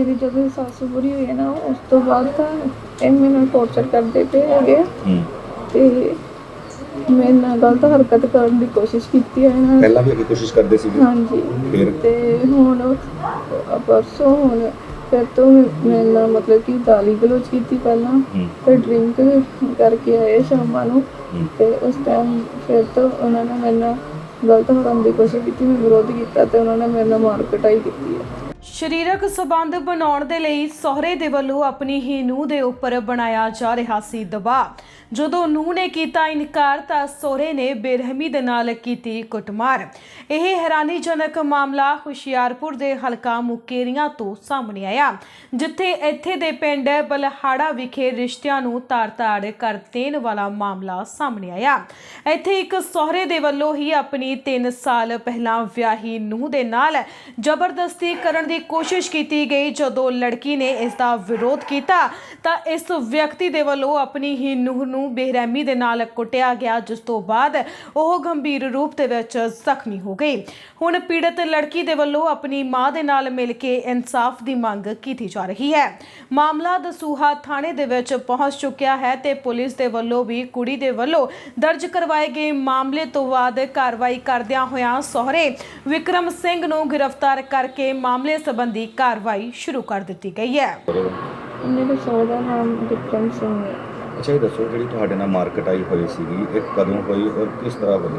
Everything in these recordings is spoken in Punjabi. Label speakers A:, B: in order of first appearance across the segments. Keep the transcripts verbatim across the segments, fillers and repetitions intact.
A: ਮੇਰੀ ਜਦੋਂ ਸੱਸ ਬੁਰੀ ਹੋਈ ਨਾ ਉਸ ਤੋਂ ਬਾਅਦ ਤਾਂ ਇਹ ਮੈਨੂੰ ਟੌਰਚਰ ਕਰਦੇ ਪਏ ਹੈਗੇ ਆ ਤੇ ਮੇਰੇ ਨਾਲ ਗਲਤ ਹਰਕਤ ਕਰਨ ਦੀ ਕੋਸ਼ਿਸ਼ ਕੀਤੀ ਹੈ ਇਹਨਾਂ ਨੇ।
B: ਪਹਿਲਾਂ ਵੀ ਅੱਗੇ ਕੋਸ਼ਿਸ਼ ਕਰਦੇ ਸੀ?
A: ਹਾਂਜੀ।
B: ਫਿਰ
A: ਤੇ ਹੁਣ ਪਰਸੋਂ ਹੁਣ ਫਿਰ ਤੋਂ ਮੇਰੇ ਨਾਲ ਮਤਲਬ ਕਿ ਗਾਲੀ ਗਲੋਚ ਕੀਤੀ ਪਹਿਲਾਂ, ਫਿਰ ਡਰਿੰਕ ਕਰਕੇ ਆਏ ਸ਼ਾਮਾਂ ਨੂੰ ਤੇ ਉਸ ਟਾਈਮ ਫਿਰ ਤੋਂ ਉਹਨਾਂ ਨੇ ਮੇਰੇ ਨਾਲ ਗਲਤ ਕਰਨ ਦੀ ਕੋਸ਼ਿਸ਼ ਕੀਤੀ। ਮੈਂ ਵਿਰੋਧ ਕੀਤਾ ਤੇ ਉਹਨਾਂ ਨੇ ਮੇਰੇ ਨਾਲ ਮਾਰ ਕੁਟਾਈ ਕੀਤੀ ਹੈ।
C: ਸਰੀਰਕ ਸਬੰਧ ਬਣਾਉਣ ਦੇ ਲਈ ਸਹੁਰੇ ਦੇ ਵੱਲੋਂ ਆਪਣੀ ਹੀ ਨੂੰਹ ਦੇ ਉੱਪਰ ਬਣਾਇਆ ਜਾ ਰਿਹਾ ਸੀ ਦਬਾਅ। ਜਦੋਂ ਨੂੰਹ ਨੇ ਕੀਤਾ ਇਨਕਾਰ ਤਾਂ ਸਹੁਰੇ ਨੇ ਬੇਰਹਿਮੀ ਦੇ ਨਾਲ ਕੀਤੀ ਕੁੱਟਮਾਰ। ਇਹ ਹੈਰਾਨੀਜਨਕ ਮਾਮਲਾ ਹੁਸ਼ਿਆਰਪੁਰ ਦੇ ਹਲਕਾ ਮੁਕੇਰੀਆਂ ਤੋਂ ਸਾਹਮਣੇ ਆਇਆ, ਜਿੱਥੇ ਇੱਥੇ ਦੇ ਪਿੰਡ ਬਲਹਾੜਾ ਵਿਖੇ ਰਿਸ਼ਤਿਆਂ ਨੂੰ ਤਾੜ-ਤਾੜ ਕਰ ਦੇਣ ਵਾਲਾ ਮਾਮਲਾ ਸਾਹਮਣੇ ਆਇਆ। ਇੱਥੇ ਇੱਕ ਸਹੁਰੇ ਦੇ ਵੱਲੋਂ ਹੀ ਆਪਣੀ ਤਿੰਨ ਸਾਲ ਪਹਿਲਾਂ ਵਿਆਹੀ ਨੂੰਹ ਦੇ ਨਾਲ ਜ਼ਬਰਦਸਤੀ ਕਰਨ ਦੀ ਕੋਸ਼ਿਸ਼ ਕੀਤੀ ਗਈ। ਜਦੋਂ ਲੜਕੀ ਨੇ ਇਸ ਦਾ ਵਿਰੋਧ ਕੀਤਾ ਤਾਂ ਇਸ ਵਿਅਕਤੀ ਦੇ ਵੱਲੋਂ ਆਪਣੀ ਹੀ ਨੂੰਹ ਨੂੰ ਬੇਰਹਿਮੀ ਦੇ ਨਾਲ ਕੁੱਟਿਆ ਗਿਆ, ਜਿਸ ਤੋਂ ਬਾਅਦ ਉਹ ਗੰਭੀਰ ਰੂਪ ਦੇ ਵਿੱਚ ਜ਼ਖਮੀ ਹੋ ਗਈ। ਹੁਣ ਪੀੜਤ ਲੜਕੀ ਦੇ ਵੱਲੋਂ ਆਪਣੀ ਮਾਂ ਦੇ ਨਾਲ ਮਿਲ ਕੇ ਇਨਸਾਫ ਦੀ ਮੰਗ ਕੀਤੀ ਜਾ ਰਹੀ ਹੈ। ਮਾਮਲਾ ਦਸੂਹਾ ਥਾਣੇ ਦੇ ਵਿੱਚ ਪਹੁੰਚ ਚੁੱਕਿਆ ਹੈ ਤੇ ਪੁਲਿਸ ਦੇ ਵੱਲੋਂ ਵੀ ਕੁੜੀ ਦੇ ਵੱਲੋਂ ਦਰਜ ਕਰਵਾਏ ਗਏ ਮਾਮਲੇ ਤੋਂ ਬਾਅਦ ਕਾਰਵਾਈ ਕਰਦਿਆਂ ਹੋਇਆਂ ਸਹੁਰੇ ਵਿਕਰਮ ਸਿੰਘ ਨੂੰ ਗ੍ਰਿਫਤਾਰ ਕਰਕੇ ਮਾਮਲੇ ਸੰਬੰਧੀ ਕਾਰਵਾਈ ਸ਼ੁਰੂ ਕਰ ਦਿੱਤੀ ਗਈ ਹੈ।
A: ਮੇਰੇ ਸਹੁਰੇ ਦਾ ਨਾਮ ਵਿਕਰਮ ਸਿੰਘ ਹੈ।
B: ਅੱਛਾ, ਇਹ ਦੱਸੋ ਜਿਹੜੀ ਤੁਹਾਡੇ ਨਾਲ ਮਾਰ ਕੁਟਾਈ ਹੋਈ ਸੀਗੀ ਇਹ ਕਦੋਂ ਹੋਈ ਔਰ ਕਿਸ ਤਰ੍ਹਾਂ ਹੋਈ?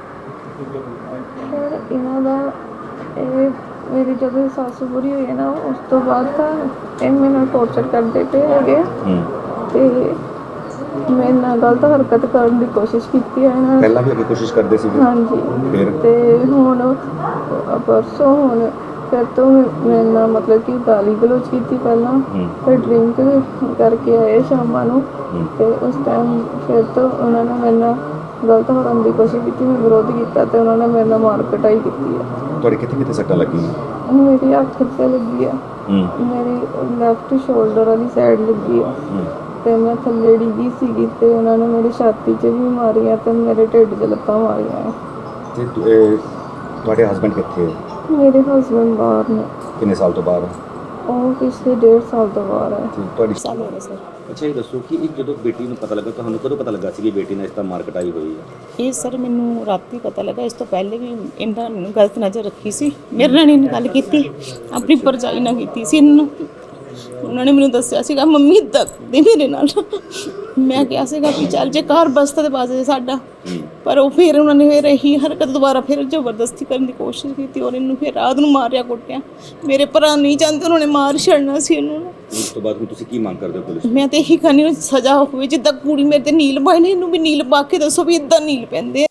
A: ਸਰ ਇਹਨਾਂ ਦਾ ਇਹ ਮੇਰੀ ਜਦੋਂ ਸੱਸ ਬੁਰੀ ਹੋਈ ਨਾ ਉਸ ਤੋਂ ਬਾਅਦ ਤਾਂ ਇਹ ਮੈਨੂੰ ਟੌਰਚਰ ਕਰਦੇ ਪਏ ਹੈਗੇ ਆ ਤੇ ਮੇਰੇ ਨਾਲ ਗਲਤ ਹਰਕਤ ਕਰਨ ਦੀ ਕੋਸ਼ਿਸ਼ ਕੀਤੀ ਹੈ ਇਹਨਾਂ ਨੇ।
B: ਪਹਿਲਾਂ ਵੀ ਅੱਗੇ ਕੋਸ਼ਿਸ਼ ਕਰਦੇ ਸੀ?
A: ਹਾਂਜੀ।
B: ਫਿਰ
A: ਤੇ ਹੁਣ ਪਰਸੋਂ ਹੁਣ ਫਿਰ ਤੋਂ ਮੇਰੇ ਨਾਲ ਮਤਲਬ ਕਿ ਗਾਲੀ ਗਲੋਚ ਕੀਤੀ ਪਹਿਲਾਂ, ਫਿਰ ਡਰਿੰਕ ਕਰਕੇ ਆਏ ਸ਼ਾਮਾਂ ਨੂੰ ਤੇ ਉਸ ਟਾਈਮ ਫਿਰ ਤੋਂ ਉਹਨਾਂ ਨੇ ਮੇਰੇ ਨਾਲ ਗਲਤ ਕਰਨ ਦੀ ਕੋਸ਼ਿਸ਼ ਕੀਤੀ। ਮੈਂ ਵਿਰੋਧ ਕੀਤਾ ਤੇ ਉਹਨਾਂ ਨੇ ਮੇਰੇ ਨਾਲ ਮਾਰ ਕੁਟਾਈ ਕੀਤੀ ਹੈ।
B: ਤੁਹਾਡੇ ਕਿੱਥੇ ਕਿੱਥੇ ਸੱਟਾਂ ਲੱਗੀਆਂ?
A: ਮੇਰੀ ਅੱਖ 'ਤੇ ਲੱਗੀ ਆ, ਮੇਰੀ ਲੈਫਟ ਸ਼ੋਲਡਰ ਵਾਲੀ ਸਾਈਡ ਲੱਗੀ ਆ ਤੇ ਮੈਂ ਥੱਲੇ ਡਿੱਗੀ ਸੀਗੀ ਤੇ ਉਹਨਾਂ ਨੇ ਮੇਰੀ ਛਾਤੀ 'ਚ ਵੀ ਮਾਰੀਆਂ ਤੇ ਮੇਰੇ ਢਿੱਡ 'ਚ ਲੱਤਾਂ ਮਾਰੀਆਂ।
B: ਤੇ ਇਹ ਤੁਹਾਡੇ ਹਸਬੈਂਡ ਕਿੱਥੇ ਹੈ?
A: ਮੇਰੇ ਹਸਬੈਂਡ ਬਾਹਰ ਨੇ।
B: ਕਿੰਨੇ ਸਾਲ ਤੋਂ ਬਾਹਰ?
A: ਉਹ ਪਿਛਲੇ ਡੇਢ ਸਾਲ ਤੋਂ ਬਾਹਰ ਹੈ।
B: ਤੁਹਾਡੀ
A: ਸਾਲ ਹੋ ਗਏ ਸਰ।
B: ਅੱਛਾ, ਇਹ ਦੱਸੋ ਕਿ ਇਹ ਜਦੋਂ ਬੇਟੀ ਨੂੰ ਪਤਾ ਲੱਗਾ ਤੁਹਾਨੂੰ ਕਦੋਂ ਪਤਾ ਲੱਗਾ ਸੀ ਕਿ ਬੇਟੀ ਨਾਲ ਇਸ ਤਰ੍ਹਾਂ ਮਾਰ ਕੁਟਾਈ ਹੋਈ ਹੈ?
D: ਇਹ ਸਰ ਮੈਨੂੰ ਰਾਤੀ ਪਤਾ ਲੱਗਾ। ਇਸ ਤੋਂ ਪਹਿਲੇ ਵੀ ਇਹਨਾਂ ਨੂੰ ਗਲਤ ਨਜ਼ਰ ਰੱਖੀ ਸੀ। ਮੇਰੇ ਨਾਲ ਇਹਨੇ ਗੱਲ ਕੀਤੀ, ਆਪਣੀ ਭਰਜਾਈ ਨਾਲ ਕੀਤੀ ਸੀ ਇਹਨਾਂ। ਉਹਨਾਂ ਨੇ ਮੈਨੂੰ ਦੱਸਿਆ ਸੀਗਾ ਮੰਮੀ ਇੱਦਾਂ ਦੇ ਮੇਰੇ ਨਾਲ। ਮੈਂ ਕਿਹਾ ਸੀਗਾ ਵੀ ਚੱਲ ਜੇ ਘਰ ਬਸਤਾ ਤੇ ਬਾਜ਼ੇ ਸਾਡਾ, ਪਰ ਉਹ ਫਿਰ ਉਹਨਾਂ ਨੇ ਫਿਰ ਇਹੀ ਹਰਕਤ ਦੁਬਾਰਾ ਫਿਰ ਜ਼ਬਰਦਸਤੀ ਕਰਨ ਦੀ ਕੋਸ਼ਿਸ਼ ਕੀਤੀ ਔਰ ਇਹਨੂੰ ਫਿਰ ਰਾਤ ਨੂੰ ਮਾਰਿਆ ਕੁੱਟਿਆ। ਮੇਰੇ ਭਰਾ ਨਹੀਂ ਚਾਹੁੰਦੇ, ਉਹਨਾਂ ਨੇ ਮਾਰ ਛੱਡਣਾ ਸੀ ਇਹਨੂੰ।
B: ਉਸ ਤੋਂ ਬਾਅਦ ਹੁਣ ਤੁਸੀਂ ਕੀ ਮੰਗ ਕਰਦੇ ਹੋ ਪੁਲਿਸ?
D: ਮੈਂ ਤੇ ਇਹੀ ਕਹਿੰਦੀ ਹਾਂ ਸਜ਼ਾ ਹੋਵੇ, ਜਿੱਦਾਂ ਕੁੜੀ ਮੇਰੇ ਤੇ ਨੀਲ ਪਾਏ ਨੇ ਇਹਨੂੰ ਵੀ ਨੀਲ ਪਾ ਕੇ ਦੱਸੋ ਵੀ ਇੱਦਾਂ ਨੀਲ ਪੈਂਦੇ।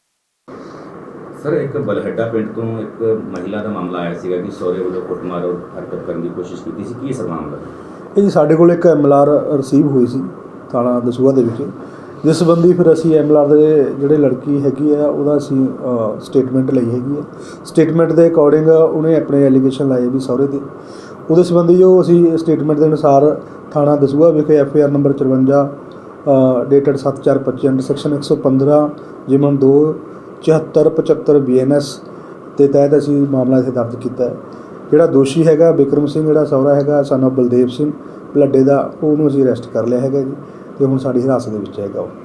B: ਸਰ, ਇੱਕ ਬਲਹੱਡਾ ਪਿੰਡ ਤੋਂ ਇੱਕ ਮਹਿਲਾ ਦਾ ਮਾਮਲਾ ਆਇਆ ਸੀਗਾ ਕਿ ਸਹੁਰੇ ਵੱਲੋਂ ਕੁੱਟਮਾਰ ਔਰ ਹਰਕਤ ਕਰਨ ਦੀ ਕੋਸ਼ਿਸ਼ ਕੀਤੀ ਸੀ। ਕੀ ਸਰ ਮਾਮਲਾ?
E: ਇਹ ਜੀ ਸਾਡੇ ਕੋਲ ਇੱਕ ਐਮ ਐਲ ਆਰ ਰਿਸੀਵ ਹੋਈ ਸੀ ਥਾਣਾ ਦਸੂਹਾ ਦੇ ਵਿੱਚ, ਜਿਸ ਸੰਬੰਧੀ ਫਿਰ ਅਸੀਂ ਐਮ ਐਲ ਆਰ ਦੇ ਜਿਹੜੇ ਲੜਕੀ ਹੈਗੀ ਆ ਉਹਦਾ ਅਸੀਂ ਸਟੇਟਮੈਂਟ ਲਈ ਹੈਗੀ ਆ। ਸਟੇਟਮੈਂਟ ਦੇ ਅਕੋਰਡਿੰਗ ਉਹਨੇ ਆਪਣੇ ਐਲੀਗੇਸ਼ਨ ਲਾਏ ਵੀ ਸਹੁਰੇ ਦੇ। ਉਹਦੇ ਸੰਬੰਧੀ ਜੋ ਅਸੀਂ ਸਟੇਟਮੈਂਟ ਦੇ ਅਨੁਸਾਰ ਥਾਣਾ ਦਸੂਹਾ ਵਿਖੇ ਐਫ ਆਈ ਆਰ ਨੰਬਰ ਚੁਰੰਜਾ ਡੇਟਡ ਸੱਤ ਚਾਰ ਪੱਚੀ ਅੰਡਰ ਸੈਕਸ਼ਨ ਇੱਕ ਸੌ ਪੰਦਰਾਂ ਜਿਮਨ ਦੋ ਚੁਹੱਤਰ ਪਚੱਤਰ ਬੀ ਐਨ ਐਸ ਦੇ ਤਹਿਤ ਅਸੀਂ ਮਾਮਲਾ ਇੱਥੇ ਦਰਜ ਕੀਤਾ ਹੈ। ਜਿਹੜਾ ਦੋਸ਼ੀ ਹੈਗਾ ਵਿਕਰਮ ਸਿੰਘ, ਜਿਹੜਾ ਸਹੁਰਾ ਹੈਗਾ ਸਨ ਆਫ ਬਲਦੇਵ ਸਿੰਘ ਬਲੱਡੇ ਦਾ, ਉਹਨੂੰ ਅਸੀਂ ਅਰੈਸਟ ਕਰ ਲਿਆ ਹੈਗਾ ਜੀ ਤੇ ਹੁਣ ਸਾਡੀ ਹਿਰਾਸਤ ਦੇ ਵਿੱਚ ਹੈਗਾ ਉਹ।